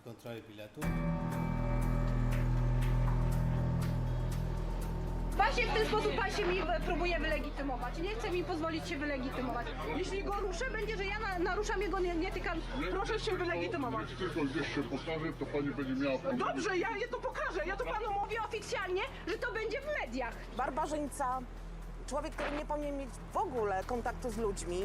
kontroli biletu. Właśnie w ten sposób pan się mi próbuje wylegitymować. Nie chce mi pozwolić się wylegitymować. Jeśli go ruszę, będzie, że ja naruszam jego, nie tykam. Proszę się wylegitymować. Jak tylko gdzieś się pokaże, to pani będzie miała problem. Dobrze, ja to pokażę. Ja to panu mówię oficjalnie, że to będzie w mediach. Barbarzyńca, człowiek, który nie powinien mieć w ogóle kontaktu z ludźmi.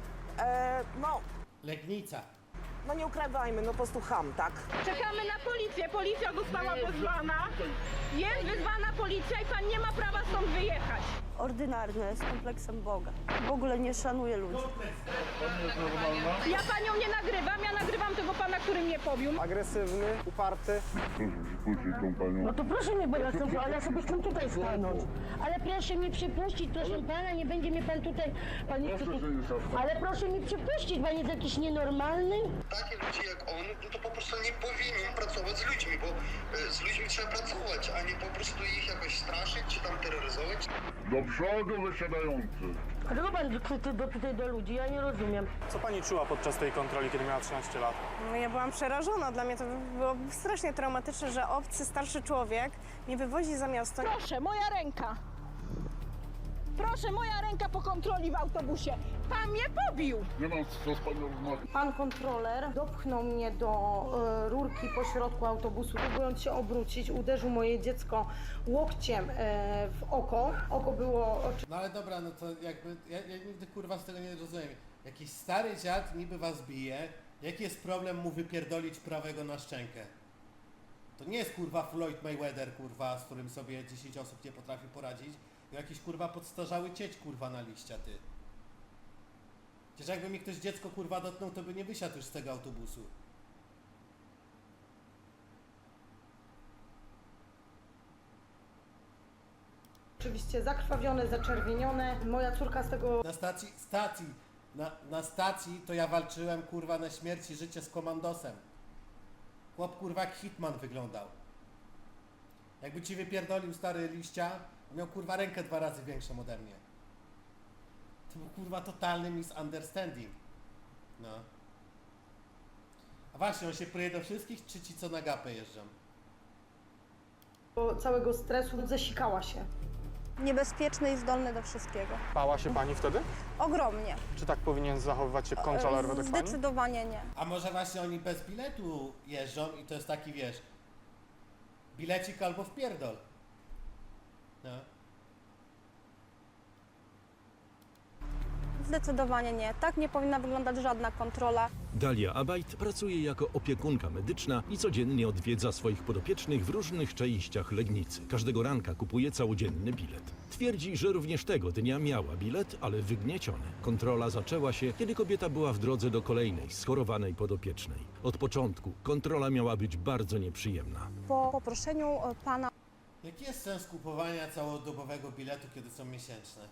Legnica. No nie ukrywajmy, no po prostu cham, tak? Czekamy na policję. Policja została wezwana. Jest wezwana policja i pan nie ma prawa stąd wyjechać. Ordynarne, z kompleksem Boga. W ogóle nie szanuje ludzi. Pani jest normalna? Ja panią nie nagrywam, ja nagrywam tego pana, który mnie pobił. Agresywny, uparty. Proszę przypuścić tą panią. No to proszę mnie, bo ja sobie chcę tutaj stanąć. Ale proszę mi przypuścić, proszę pana, nie będzie mnie pan tutaj... Pan nie chce Proszę tu... się nie szafać. Ale proszę mi przypuścić, pan jest jakiś nienormalny? Takie ludzie jak on, no to po prostu nie powinien pracować z ludźmi, bo z ludźmi trzeba pracować, a nie po prostu ich jakoś straszyć czy tam terroryzować. Do przodu wysiadający. Dlaczego pan krzyczy do ludzi? Ja nie rozumiem. Co pani czuła podczas tej kontroli, kiedy miała 13 lat? No ja byłam przerażona. Dla mnie to było strasznie traumatyczne, że obcy, starszy człowiek mnie wywozi za miasto. Proszę, moja ręka. Proszę, moja ręka po kontroli w autobusie. Pan mnie pobił. Nie mam co z panią rozmawiać. Pan kontroler dopchnął mnie do rurki po środku autobusu, próbując się obrócić, uderzył moje dziecko łokciem w oko. Oko było No ale dobra, no to jakby, ja nigdy kurwa z tego nie rozumiem. Jakiś stary dziad niby was bije, jaki jest problem mu wypierdolić prawego na szczękę? To nie jest kurwa Floyd Mayweather kurwa, z którym sobie 10 osób nie potrafi poradzić. To jakiś kurwa podstarzały cieć kurwa na liścia, ty. Przecież jakby mi ktoś dziecko kurwa dotknął, to by nie wysiadł już z tego autobusu. oczywiście zakrwawione, zaczerwienione. Moja córka z tego... Na stacji to ja walczyłem kurwa na śmierć i życie z komandosem. Chłop kurwa jak Hitman wyglądał. Jakby ci wypierdolił stary liścia, miał kurwa rękę 2 razy większą ode mnie. To był kurwa totalny misunderstanding. No. A właśnie, on się pruje do wszystkich, czy ci co na gapę jeżdżą? całego stresu zasikała się. Niebezpieczny i zdolny do wszystkiego. Bała się pani wtedy? Ogromnie. Czy tak powinien zachowywać się kontroler według pani? Zdecydowanie nie. A może właśnie oni bez biletu jeżdżą i to jest taki, wiesz, bilecik albo wpierdol. No. Zdecydowanie nie. Tak nie powinna wyglądać żadna kontrola. Dalia Abajt pracuje jako opiekunka medyczna i codziennie odwiedza swoich podopiecznych w różnych częściach Legnicy. Każdego ranka kupuje całodzienny bilet. Twierdzi, że również tego dnia miała bilet, ale wygnieciony. Kontrola zaczęła się, kiedy kobieta była w drodze do kolejnej schorowanej podopiecznej. Od początku kontrola miała być bardzo nieprzyjemna. Po poproszeniu pana Jaki jest sens kupowania całodobowego biletu, kiedy są miesięczne?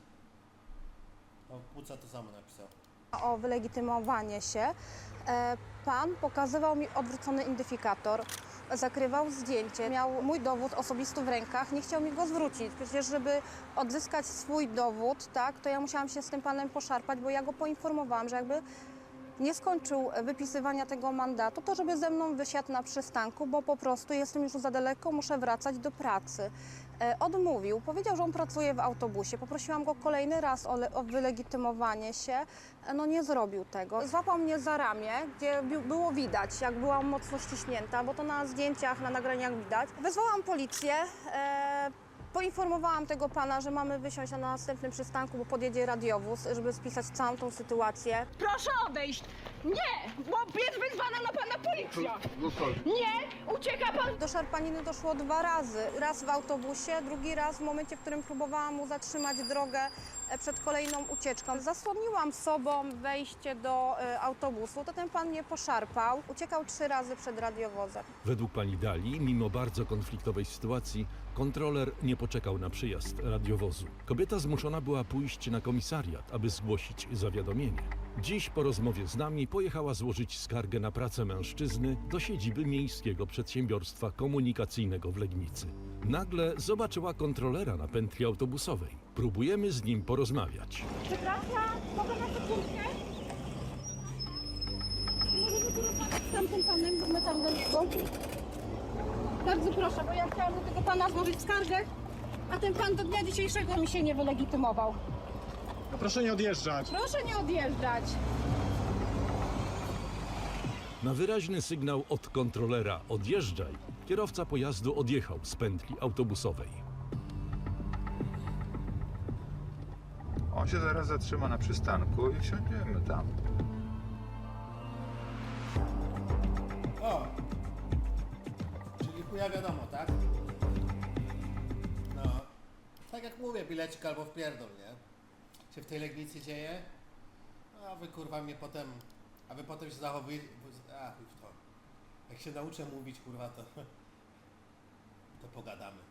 O, Puca to samo napisał. o wylegitymowanie się, pan pokazywał mi odwrócony identyfikator, zakrywał zdjęcie, miał mój dowód osobisty w rękach, nie chciał mi go zwrócić. Przecież żeby odzyskać swój dowód, tak, to ja musiałam się z tym panem poszarpać, bo ja go poinformowałam, że jakby nie skończył wypisywania tego mandatu, to żeby ze mną wysiadł na przystanku, bo po prostu jestem już za daleko, muszę wracać do pracy. Odmówił, powiedział, że on pracuje w autobusie. Poprosiłam go kolejny raz o wylegitymowanie się, no nie zrobił tego. Złapał mnie za ramię, gdzie było widać, jak byłam mocno ściśnięta, bo to na zdjęciach, na nagraniach widać. Wezwałam policję. Poinformowałam tego pana, że mamy wysiąść na następnym przystanku, bo podjedzie radiowóz, żeby spisać całą tą sytuację. Proszę odejść! Nie! Bo jest wezwana na pana policja! Zostali. Nie! Ucieka pan! Do szarpaniny doszło 2 razy. Raz w autobusie, drugi raz w momencie, w którym próbowałam mu zatrzymać drogę przed kolejną ucieczką. Zasłoniłam sobą wejście do autobusu, to ten pan mnie poszarpał. Uciekał 3 razy przed radiowozem. Według pani Dali, mimo bardzo konfliktowej sytuacji, kontroler nie poczekał na przyjazd radiowozu. Kobieta zmuszona była pójść na komisariat, aby zgłosić zawiadomienie. Dziś po rozmowie z nami pojechała złożyć skargę na pracę mężczyzny do siedziby Miejskiego Przedsiębiorstwa Komunikacyjnego w Legnicy. Nagle zobaczyła kontrolera na pętli autobusowej. Próbujemy z nim porozmawiać. Przepraszam, mogę na sekundkę? Możemy tu rozmawiać? z tamtym panem, bo my tam do niego. Bardzo proszę, bo ja chciałam do tego pana złożyć skargę, a ten pan do dnia dzisiejszego mi się nie wylegitymował. No proszę nie odjeżdżać. Proszę nie odjeżdżać. Na wyraźny sygnał od kontrolera odjeżdżaj, kierowca pojazdu odjechał z pętli autobusowej. On się zaraz zatrzyma na przystanku i wsiądziemy tam. O! Czyli chuja wiadomo, tak? No. Tak jak mówię, bilecik albo wpierdol, nie? Się w tej Legnicy dzieje? A wy kurwa mnie potem... A wy potem się zachowujecie... A chuj w to. Jak się nauczę mówić kurwa to... To pogadamy.